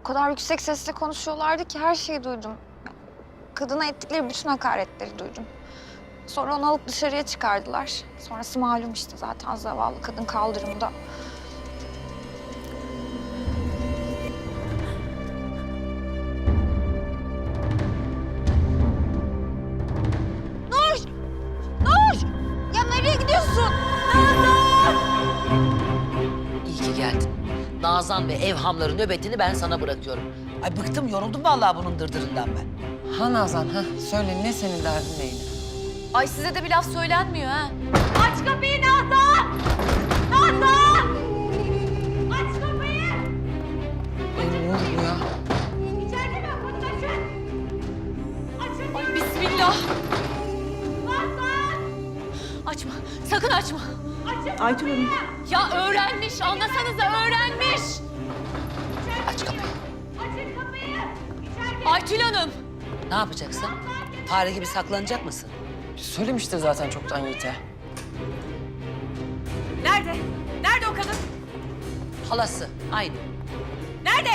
O kadar yüksek sesle konuşuyorlardı ki her şeyi duydum. Kadına ettikleri bütün hakaretleri duydum. Sonra onu alıp dışarıya çıkardılar. Sonrası malum işte zaten zavallı kadın kaldırımda. Nur! Nur! Ya nereye gidiyorsun? İyi ki geldin. Nazan ve evhamların nöbetini ben sana bırakıyorum. Ay bıktım, yoruldum vallahi bunun dırdırından ben. Ha Nazan, ha. Söyle ne senin derdin neydi? Ay size de bir laf söylenmiyor ha. Aç kapıyı Nazan! Nazan! Aç kapıyı! Ne oldu bu ya? İçeride mi? Kapıyı açın! Açın! Ay bismillah! Nazan! Açma, sakın açma. Açın Aytül Hanım. Ya öğrenmiş, anlasanıza öğrenmiş. Aç kapıyı. Açın kapıyı! İçeride! Aytül Hanım! Ne yapacaksın? Fare gibi saklanacak mısın? Söylemiştir zaten çoktan Yiğit'e. Nerede? Nerede o kadın? Halası, aynı. Nerede?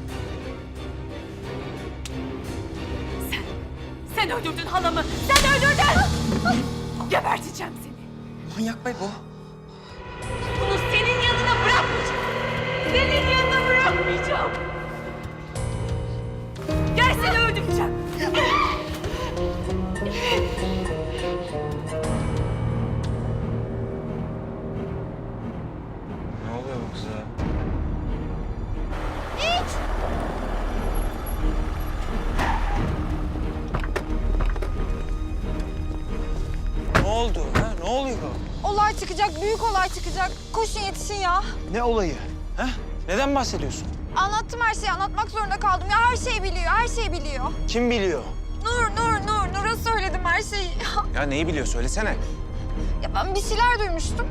Sen öldürdün halamı. Sen öldürdün. Geberteceğim seni. Manyak bey bu. Bunu senin yanına bırakmayacağım. Senin yanına bırakmayacağım. Gel seni öldüreceğim. Ne oluyor bu kıza? Ne oldu ha? Ne oluyor? Olay çıkacak, büyük olay çıkacak. Koşun yetişin ya. Ne olayı? Ha? Neden bahsediyorsun? Anlattım her şeyi, anlatmak zorunda kaldım. Ya her şeyi biliyor, her şeyi biliyor. Kim biliyor? Nur'a söyledim her şeyi. Ya neyi biliyor? Söylesene. Ya ben bir şeyler duymuştum.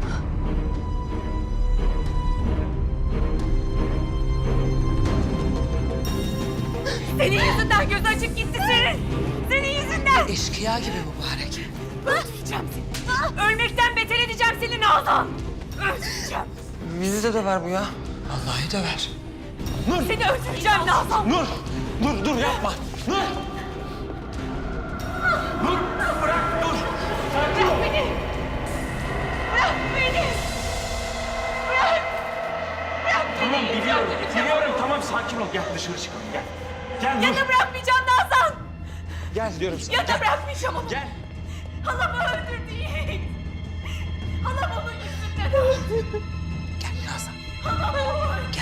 Senin yüzünden göz açık gitti senin. Senin yüzünden. Eşkıya gibi mübarek. Öldüreceğim seni. Ölmekten beter edeceğim seni Nazan. Öldüreceğim. Bizi de döver bu ya. Vallahi döver. Seni öldüreceğim Nazan. Nur! Dur yapma! Nur! Nur! Bırak dur! Sakin ol! Bırak beni. Bırak beni. Bırak. Bırak beni. Tamam biliyorum tamam sakin ol. Gel dışarı çıkalım gel. Gel Nur! Ya da bırakmayacağım Nazan. Gel diyorum sana. Ya da bırakmayacağım onu. Gel! Halamı öldürdü Yiğit. Halam onun yüzünden öldü. Gel Nazan. Halamı öldürdü.